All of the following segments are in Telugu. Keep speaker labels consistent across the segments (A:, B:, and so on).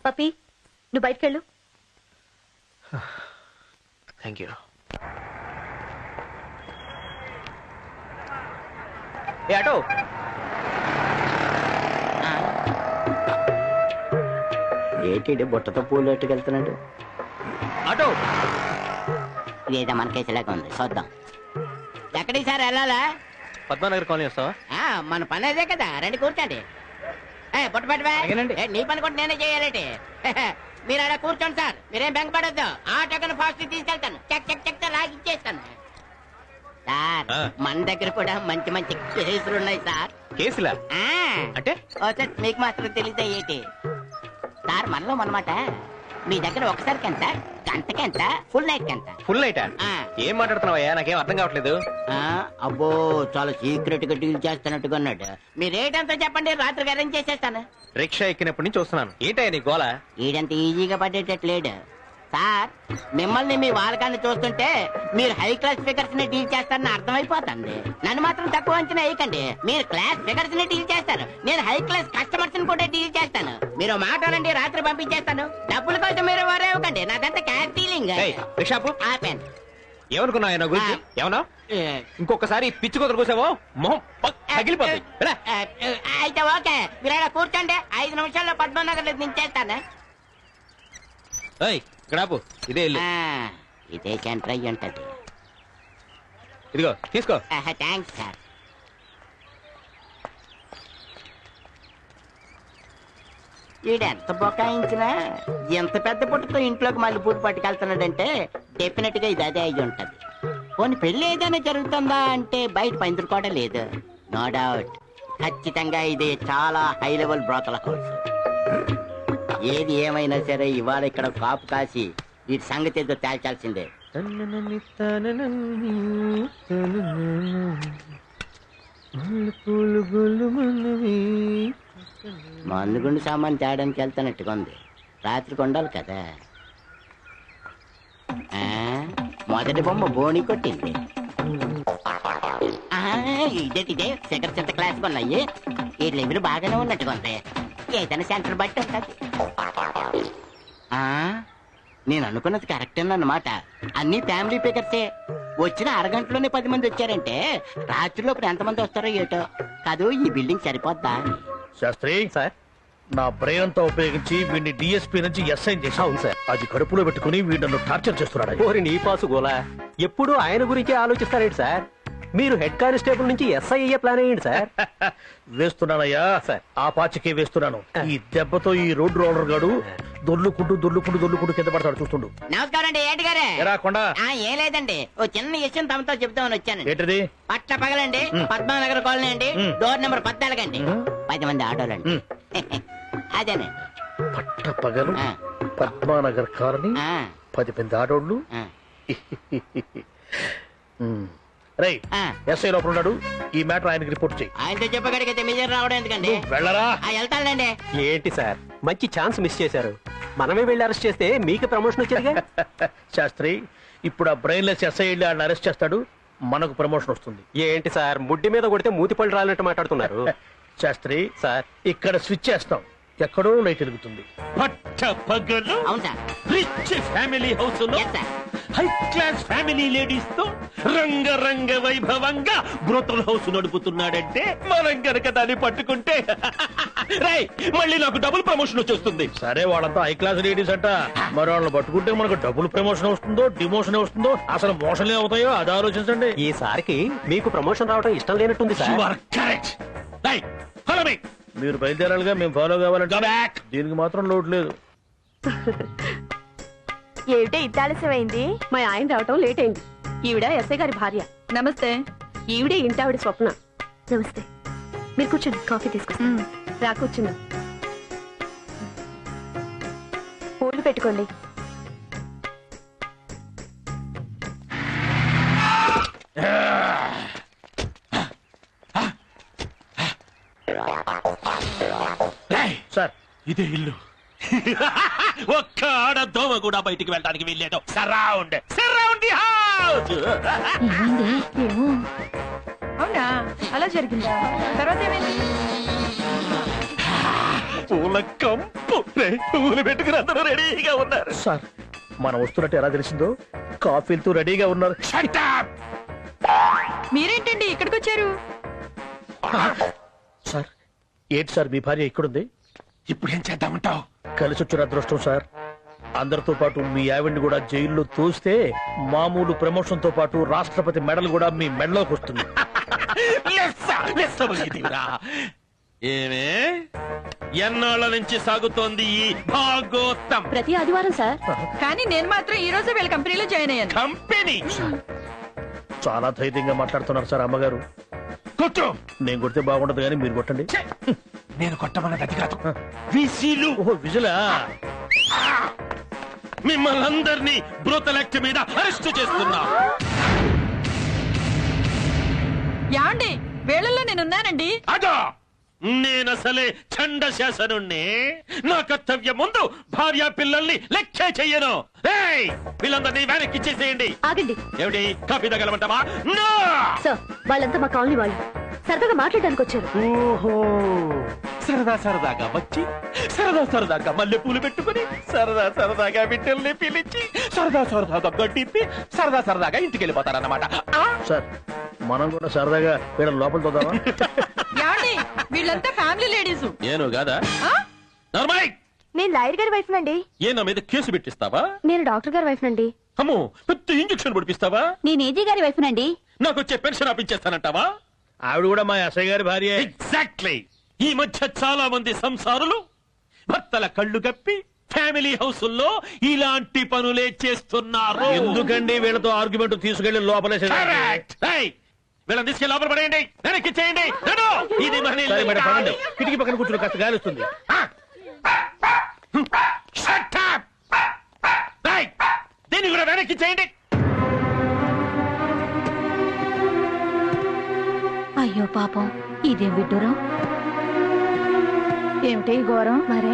A: పప్పి నువ్వు బయటకెళ్ళు.
B: Thank you. ఏ ఆటో
C: ఏంటి బుట్టతో పూలు ఎట్టుకెళ్తున్నాడు?
B: ఆటో
C: ఇదేదో మన కేసులాగా ఉంది, చూద్దాం. ఎక్కడికి సార్ వెళ్ళాలా?
B: పద్మానగర్ కాలనీ వస్తావా?
C: మన పని అదే కదా, రండి కూర్చోండి. బుట్ట పట్టువా. నీ పని కూడా నేనే చేయాలంటే. మీరు అలా కూర్చోండి సార్, మీరేం బెంగపడద్దు. ఆటోకను ఫాస్ట్ తీసుకెళ్తాను, చెక్ చెక్ చెక్ లాగి ఇచ్చేస్తాను సార్. మన దగ్గర కూడా మంచి మంచి కేసులు ఉన్నాయి సార్.
B: కేసులా అంటే?
C: మీకు మాత్రం తెలియదా ఏంటి సార్? మనలో మనమాట. మీ దగ్గర ఒకసారికి ఎంత, గంటకి ఎంత, ఫుల్ నైట్ ఎంత?
B: ఫుల్ నైటా? ఏం మాట్లాడుతున్నావయ్యా, నాకేం అర్థం కావట్లేదు.
C: అబ్బో చాలా సీక్రెట్ గా డీల్ చేస్తున్నట్టుగా ఉన్నాడు. మీ రేట్ ఎంతో చెప్పండి, రాత్రికి అరేంజ్ చేసేస్తాను.
B: రిక్షా ఎక్కినప్పటి నుంచి చూస్తున్నాను. ఏంటయ్యా నీ గోల?
C: ఈడంత ఈజీగా పడేటట్లేడు సార్. మిమ్మల్ని మీ వాళ్ళకాన్ని చూస్తుంటే మీరు హై క్లాస్ ఫిగర్స్ ని డీల్ చేస్తారని అర్థమైపోతుంది. నన్ను మాత్రం తక్కువ అంచనా వేయకండి. మీరు క్లాస్ ఫిగర్స్ ని డీల్ చేస్తారు, నేను హై క్లాస్ కస్టమర్స్ ని కూడా డీల్ చేస్తాను. మీరు మాట్లాడండి, రాత్రి పంపించేస్తాను. డబ్బుల కోసం మీరు వరేవ్వకండి, నాదంతా క్యాష్ డీలింగ్.
B: రిక్షాపు
C: ఆపాను.
B: ఏమనుకున్నావు నా గురించి? ఏమన్నా ఇంకొకసారి పిచ్చి కుదరు కూసావో మొహం తగిలిపోతుంది.
C: అయితే ఓకే, మీరు అలా కూర్చోండి. 5 నిమిషాల్లో పద్మనగర్ దించేస్తాను.
B: ఇక్కడ ఇదే ఇల్లు.
C: ఇదే సెంటర్ అయ్యి ఉంటది.
B: ఇదిగో తీసుకో.
C: Thanks sir. ఈడెంత బొకాయించినా ఎంత పెద్ద పుట్టతో ఇంట్లోకి మళ్ళీ పూట పట్టుకెళ్తున్నాడంటే డెఫినెట్ గా ఇది అదే అయ్యి ఉంటది. పోనీ పెళ్లి ఏదైనా జరుగుతుందా అంటే బయట పందిరి కూడా లేదు. నో డౌట్, ఖచ్చితంగా ఇది చాలా హై లెవెల్ బ్రోకల్ హౌస్. ఏది ఏమైనా సరే ఇవాళ ఇక్కడ కాపు కాసి వీటి సంగతి ఏదో తేల్చాల్సిందే. మందుగుండు సామాన్ తేడానికి వెళ్తానట్టుగా ఉంది. రాత్రికి ఉండాలి కదా. మొదటి బొమ్మ బోణి కొట్టింది. ఇదే సెకండ్ సెంటర్ క్లాస్ కొన్నాయి. ఈ లెవెల్ బాగానే ఉన్నట్టుగా ఉంది. ఏదైనా సెంటర్ బట్టి ఉంటుంది. నేను అనుకున్నది కరెక్టేనన్నమాట. అన్ని ఫ్యామిలీ పికర్సే. వచ్చిన అరగంటలోనే 10 మంది వచ్చారంటే రాత్రిలోపు ఎంతమంది వస్తారో ఏటో. కాదు, ఈ బిల్డింగ్ సరిపోద్దా?
D: శాస్త్రి సార్, నా బ్రెయిన్ అంతా ఉపయోగించి వీడిని డిఎస్పీ నుంచి ఎస్ఐన్ చేశాను సార్. అది కడుపులో పెట్టుకుని వీడు టార్చర్ చేస్తున్నాడు.
E: ఓరి నీ పాసు గోలా, ఎప్పుడు ఆయన గురించి ఆలోచిస్తారేంటి సార్? మీరు హెడ్ కానిస్టేబుల్ నుంచి ఎస్ఐ అయ్యే ప్లాన్ అయ్యండి సార్.
D: వేస్తున్నానయ్యా సార్, ఆ పాచికే వేస్తున్నాను. ఈ దెబ్బతో ఈ రోడ్ రోలర్ గాడు దొర్లుకుంటూ కింద పడతాడు, చూస్తుండు.
C: నమస్కారం అండి. ఏంటి గారే? ఏం లేదండి, ఓ చిన్న విషయం తమతో చెప్తామని వచ్చాను.
D: ఏంటిది?
C: పట్ల పగలండి, పద్మానగర్ కాలనీ అండి, డోర్ నెంబర్ 14 అండి. 10 మంది ఆటోలండి. అదేనండి.
D: పట్ట పగలు పద్మానగర్ కాలనీ, 10 మంది ఆటోళ్ళు. ఎస్ఐ లోపల ఉన్నాడు. ఈ మ్యాటర్ ఆయనకి రిపోర్ట్ చేయి.
C: ఆయనతో చెప్పగడిగితే మీజర్ రావడం ఎందుకండి?
D: వెళ్ళరా.
C: వెళ్తానండి.
E: ఏంటి సార్, మంచి ఛాన్స్ మిస్ చేశారు. మనమే వెళ్ళి అరెస్ట్ చేస్తే మీకు ప్రమోషన్ వచ్చేదిగా.
D: శాస్త్రి, ఇప్పుడు ఆ బ్రెయిన్లెస్ ఎస్ఐ వెళ్ళి ఆయన అరెస్ట్ చేస్తాడు, మనకు ప్రమోషన్ వస్తుంది.
E: ఏంటి సార్, ముడ్డి మీద కొడితే మూతిపళ్ళు రాలినట్టు మాట్లాడుతున్నారు.
D: శాస్త్రి
E: సార్,
D: ఇక్కడ స్విచ్ చేస్తాం, ఎక్కడో లైట్ వెలుగుతుంది.
F: పట్ట పగలు
C: అవును సార్.
F: రిచ్ ఫ్యామిలీ హౌస్ లో హై క్లాస్ ఫ్యామిలీ లేడీస్ తో రంగరంగ వైభవంగా బ్రోతల్ హౌస్ నడుపుతున్నాడంటే మనం గనక దాన్ని పట్టుకుంటే రై మళ్ళీ నాకు డబుల్ ప్రమోషన్ వచ్చేస్తుంది.
D: సరే, వాళ్ళంతా హై క్లాస్ లేడీస్ అంట, మరి వాళ్ళని పట్టుకుంటే మనకు డబుల్ ప్రమోషన్ వస్తుందో డిమోషన్ వస్తుందో, అసలు మోషన్లే అవుతాయో అది ఆలోచించండి.
E: ఈసారికి మీకు ప్రమోషన్ రావడం ఇష్టం లేనట్టుంది సార్.
D: మీరు బయలుదేరాలిగా, మేము ఫాలో కావాలంటే దీనికి మాత్రం లోటు లేదు.
A: ఏమిటే ఇంత ఆలస్యమైంది? మా ఆయన రావటం లేట్ అయింది. ఈవిడ ఎస్ఐ గారి భార్య. నమస్తే. ఈవిడే ఇంటి ఆవిడ స్వప్న. నమస్తే. మీరు కూర్చోండి, కాఫీ తీసుకొస్తాను. రా కూర్చున్నా. పూలు పెట్టుకోండి.
D: సార్,
F: ఇదే ఇల్లు. ఒక్క ఆడ దోమ కూడా బయటికి వెళ్ళడానికి వెళ్ళేదో. Surround the house.
A: అవునా, అలా జరిగిందా? తర్వాత ఏమైంది?
F: పూల కంపు. పువ్వులు పెట్టుకుని అందరూ రెడీగా ఉన్నారు.
D: సార్ మనం వస్తున్నట్టు ఎలా తెలిసిందో కాఫీలతో రెడీగా ఉన్నారు.
F: Shut up!
A: మీరేంటండి ఇక్కడికి వచ్చారు?
D: సార్ ఏంటి సార్ మీ భార్య ఇక్కడుంది?
F: ఇప్పుడు ఏం చేద్దామంటావు?
D: కలిసి వచ్చిన అదృష్టం సార్. అందరితో పాటు మీ ఆవిడ్ని కూడా జైల్లో తోస్తే మామూలు ప్రమోషన్ తో పాటు రాష్ట్రపతి మెడల్ కూడా మీ మెడలోకి వస్తుంది.
F: ఏమే ఎన్నాళ్ళ నుంచి సాగుతోంది ఈ భాగోత్తం
A: ప్రతి ఆదివారం సార్. కానీ నేను మాత్రం ఈ రోజు వీళ్ళ కంపెనీలో జాయిన్ అయ్యాను.
F: కంపెనీ?
D: చాలా ధైర్యంగా మాట్లాడుతున్నారు సార్ అమ్మగారు.
F: కొట్టు.
D: నేను కొడితే బాగుండదు కానీ మీరు కొట్టండి.
F: నేను కొట్టమన్నది అది కాదు, విసిలు.
D: ఓహో విజులా.
F: మిమ్మల్ని అందరినీ బ్రోతల్ యాక్ట్ మీద అరెస్ట్ చేస్తున్నా.
A: యాండి వేళల్లో నేనున్నానండి.
F: అదా నేనసలే చండ శాసనుణ్ణి. నా కర్తవ్యం ముందు భార్య పిల్లల్ని లెక్కే చెయ్యను. ఏయ్, వీళ్ళందరినీ వెనక్కి ఇచ్చేసేయండి.
A: ఆగండి
F: ఏమిటి కాఫీ తగలమంటావా? నో!
A: సార్, వాళ్ళంతా మా కాలనీ వాళ్ళు సరదాగా మాట్లాడడానికి వచ్చారు.
F: ఓహో, సరదాగా వచ్చి సరదాగా మల్లె పూలు పెట్టుకుని సరదాగా బిడ్డల్ని పిలిచి సరదాగా గడ్డిప్పి సరదాగా ఇంటికి వెళ్ళిపోతారన్నమాట.
D: సార్ మనం కూడా సరదాగా వీళ్ళ లోపల తోదామా?
A: యాండి వీళ్ళంతా ఫ్యామిలీ లేడీస్.
F: ఏను కాదా? నార్మల్.
A: నేను లాయర్ గారి వైఫ్ నండి.
F: ఏ నా మీద కేసు పెట్టిస్తావా?
A: నేను డాక్టర్ గారి వైఫ్ నండి.
F: అమ్మో, పెద్ద ఇంజక్షన్ పడిపిస్తావా?
A: నేను ఏజీ గారి వైఫ్ నండి.
F: నాకు వచ్చే పెన్షన్ ఆపించేస్తానంటావా?
D: ఆవిడ కూడా మా ఎస్ఐ గారి భార్య.
F: ఎగ్జాక్ట్లీ. ఈ మధ్య చాలా మంది సంసారులు భర్తల కళ్ళు కప్పి ఫ్యామిలీ హౌసుల్లో ఇలాంటి పనులే చేస్తున్నారు.
D: ఎందుకండి వీళ్ళతో ఆర్గ్యుమెంట్ తీసుకెళ్లి లోపలేసే?
F: Correct. Hey, వీళ్ళని తీసుకెళ్ళి లోపల పడేయండి, వెనక్కి చేయండి. ఇది మన ఇల్లు.
D: పడండి, కిటికీ పక్కన కూర్చుని కాస్త గాలి వస్తుంది.
F: Shut up. Hey, దీన్ని కూడా వెనక్కి చేయండి.
A: అయ్యో పాపం, ఇదేం విడ్డూరం. ఏమిటి ఘోరం? మరే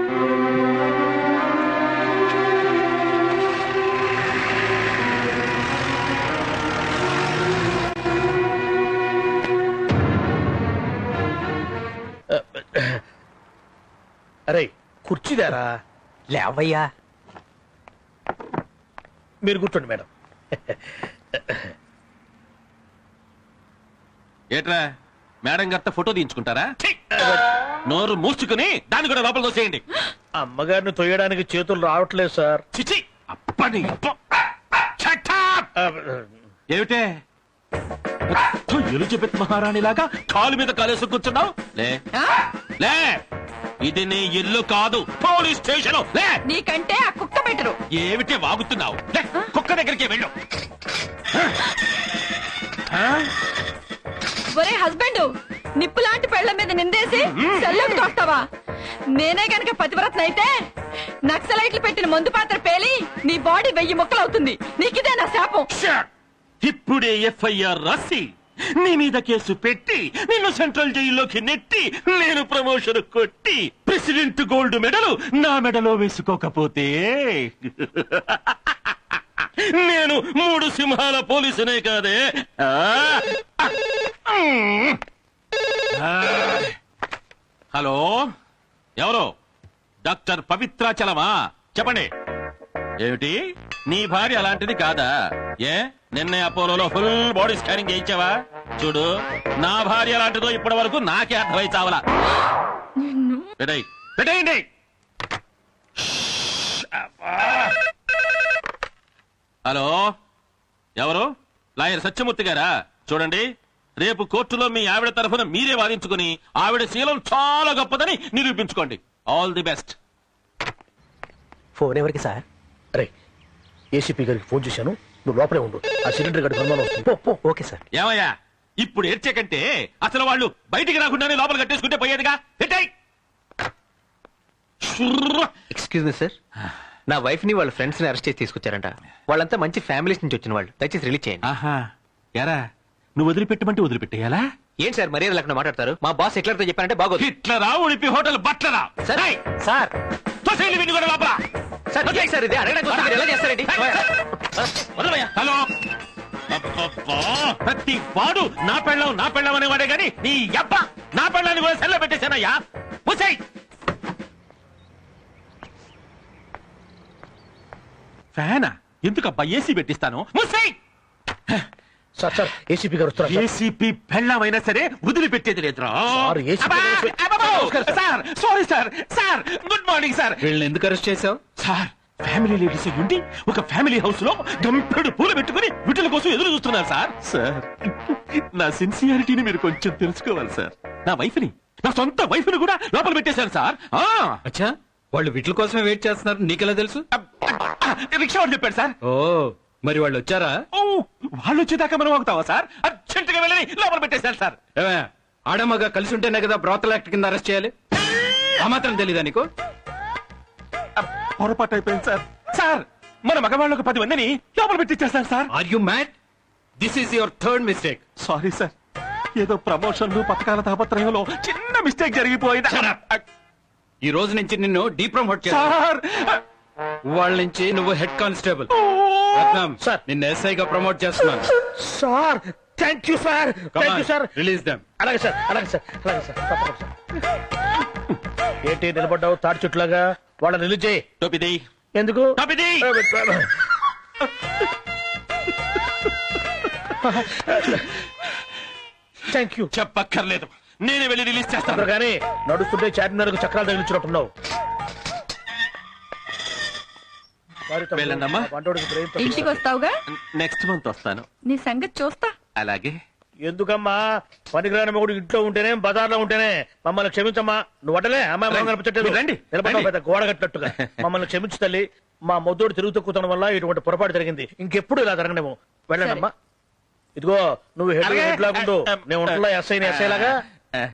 D: అరే కుర్చీదారా?
E: లేవయ్యా.
D: మీరు కూర్చోండి మేడం.
F: ఏట్రా మేడం గారితో ఫోటో తీయించుకుంటారా? నోరు మూసుకుని దాన్ని కూడా లోపల తోసేయండి.
D: అమ్మగారిని తొయ్యడానికి చేతులు రావట్లేదు సార్.
F: చిచి, అప్పని Shut up. ఏమిటే ఎలిజబెత్ మహారాణి లాగా కాలు మీద కాలేసి కూర్చున్నావు? లే, ఇది నీ ఇల్లు కాదు, పోలీస్ స్టేషన్. లే,
A: నీకంటే ఆ కుక్క బెటరు.
F: ఏమిటి వాగుతున్నావు? లే, కుక్క దగ్గరికి వెళ్ళు.
A: ఒరే హస్బెండ్, నిప్పు లాంటి పెళ్ల మీద నిందేసి సెల్లోకి తోస్తావా? నేనే గనక పతివ్రతన అయితే నక్సలైట్లు పెట్టిన మందు పాత్ర పేలి నీ బాడీ 1000 ముక్కలవుతుంది. నీకిదే నా శాపం.
F: ఇప్పుడే ఎఫ్ఐఆర్ రాసి నీ మీద కేసు పెట్టి నిన్ను సెంట్రల్ జైల్లోకి నెట్టి నేను ప్రమోషన్ కొట్టి ప్రెసిడెంట్ గోల్డ్ మెడల్ నా మెడలో వేసుకోకపోతే నేను 3 సింహాల పోలీసునే కాదే. హలో, ఎవరు? డాక్టర్ పవిత్రాచలమా? చెప్పండి. ఏమిటి, నీ భార్య అలాంటిది కాదా? ఏ నిన్నే అపోలోలో ఫుల్ బాడీ స్కానింగ్ చేయించావా? చూడు, నా భార్య అలాంటిదో ఇప్పటి వరకు నాకే అర్థమై చావలా. పెట్టేయండి. హలో, ఎవరు? లాయర్ సత్యమూర్తి గారా? చూడండి, రేపు కోర్టులో మీ ఆవిడ తరఫున మీరే వాదించుకుని ఆవిడ శీలం చాలా గొప్పదని నిరూపించుకోండి. All the best.
E: ఫోన్ ఎవరికి సార్?
D: అరే ఏసీపీ గారికి ఫోన్ చేశాను, నువ్వు లోపలే ఉండు. ఆ సిలిండర్ గడి అనుమానం వస్తుంది.
E: Okay sir.
F: ఏమయ్యా, ఇప్పుడు ఏడ్చేకంటే అసలు వాళ్ళు బయటికి రాకుండానే లోపల కట్టేసుకుంటే పోయేదిగా.
E: ఎక్స్క్యూజ్ మీ సార్, నా వైఫ్ ని వాళ్ళ ఫ్రెండ్స్ ని అరెస్ట్ చేసి తీసుకొచ్చారంట. వాళ్ళంతా మంచి ఫ్యామిలీస్ నుంచి వచ్చిన వాళ్ళు. దయచేసి రిలీజ్ చేయండి.
F: ఆహా, ఎరా నువ్వు వదిలిపెట్టమంటే వదిలిపెట్టేయాలా?
E: ఏంటి సార్ మర్యాద లేకుండా మాట్లాడతారు? మా బాస్ హిట్లర్తో చెప్పారంటే బాగోదు.
F: హిట్లరా? ఉడిపి హోటల్ బట్లరా?
E: సార్ సార్
F: తోసేయండి వీడిని కూడా లోపల.
E: సార్ ఏంటి సార్ ఇది? అడగడానికి వస్తే మీరు ఎలా చేస్తారండి?
F: వదలవయ్యా. హలో, అబ్బబ్బా, ప్రతి వాడు నా పెళ్ళం అనేవాడే గాని నీ అబ్బ నా పెళ్ళాన్ని కూడా సెల్ల పెట్టేశానయ్యా. ఫ్యానా ఎందుకబ్బా ఏసీ పెట్టిస్తాను ముసేయ్!
D: సార్ సార్ ఏసీపీ గారు వస్తున్నారు సార్.
F: ఏసీపీ పెళ్ళమైనా సరే వదిలిపెట్టేది లేదురా
D: sir, ACP
F: sir sorry sir sir good morning sir
E: వీళ్ళని ఎందుకు అరెస్ట్ చేసావు?
F: సార్ ఫ్యామిలీ లేడీస్ ఉండి ఒక ఫ్యామిలీ హౌస్ లో గంపెడు పూలు పెట్టుకుని విటుల కోసం ఎదురు చూస్తున్నారు సార్ సార్ నా సిన్సియారిటీని మీరు కొంచెం తెలుసుకోవాలి సార్. నా వైఫ్ ని నా సొంత వైఫ్ ని కూడా లోపల పెట్టేశారు సార్.
E: అచ్చా, వాళ్ళు వీటి కోసమే వెయిట్ చేస్తున్నారు, నీకెలా తెలుసు?
F: రిక్షా వాడు చెప్పాడు సార్.
E: ఓ, మరి వాళ్ళు వచ్చారా?
F: ఓ వాళ్ళు వచ్చేదాకా మనం ఆగుతావా సార్? అర్జెంట్ గా వెళ్ళి లోపల పెట్టేశారు సార్.
E: ఏమే, ఆడమ్మగా కలిసి ఉంటేనే కదా బ్రోతల్ యాక్ట్ కింద అరెస్ట్ చేయాలి. ఆ మాత్రం తెలీదా నీకు?
F: పొరపాటు అయిపోయింది సార్. సార్ మన మగవాళ్ళకు 10 మందిని లోపల పెట్టించేస్తారు sir.
E: Are you mad? This is your third mistake.
F: Sorry sir, ఏదో ప్రమోషన్లు పథకాల తాపత్రయంలో చిన్న మిస్టేక్ జరిగిపోయింది
E: ఈ రోజు నుంచి నిన్ను డీప్రమోట్ చేస్తా.
F: సార్.
E: వాళ్ళ నుంచి నువ్వు హెడ్ కానిస్టేబుల్.
D: సార్.
E: నిన్ను ఎస్ఐగా ప్రమోట్ చేస్తున్నాను.
D: Sir thank you sir, thank you sir.
E: Release them.
D: అలాగే సార్, అలాగే సార్, అలాగే సార్, తప్పకుండా సార్. ఏంటి నిలబడ్డావు తాడి చుట్లాగా? వాళ్ళని రిలీజ్ చేయి.
F: టోపిది
D: ఎందుకు?
F: టోపిది
D: థ్యాంక్ యూ.
F: చెప్పక్కర్లేదు, నేనే వెళ్ళి రిలీజ్ చేస్తాను.
D: కానీ నడుస్తుంటే చార్మినార్కు చక్రాలు తగిలించినట్టున్నావు.
F: వెళ్ళండమ్మా.
A: ఇంటికి వస్తావుగా?
F: నెక్స్ట్ మంత్ వస్తాను.
A: నీ సంగతి చూస్తా.
F: అలాగే.
D: ఎందుకమ్మా పనికిరాని మొగుడు ఇంట్లో ఉంటేనే బజార్లో ఉంటేనే మమ్మల్ని క్షమించమ్మా. నువ్వు అడలే అమ్మాయి
F: రండి.
D: కనిపించట్లేదు.
F: రండి.
D: నిలబడ్డావు పెద్ద గోడ కట్టినట్టుగా. మమ్మల్ని క్షమించు తల్లి. మా మొద్దోడు తిరుగు తక్కువడం వల్ల ఇటువంటి పొరపాటు జరిగింది. ఇంకెప్పుడు ఇలా జరగనేమో. వెళ్ళండి అమ్మా. ఇదిగో నువ్వు హెడ్
F: అలాగే.
D: హెడ్ లాగుండు. నేను ఉంటున్నా ఎస్ఐ లాగా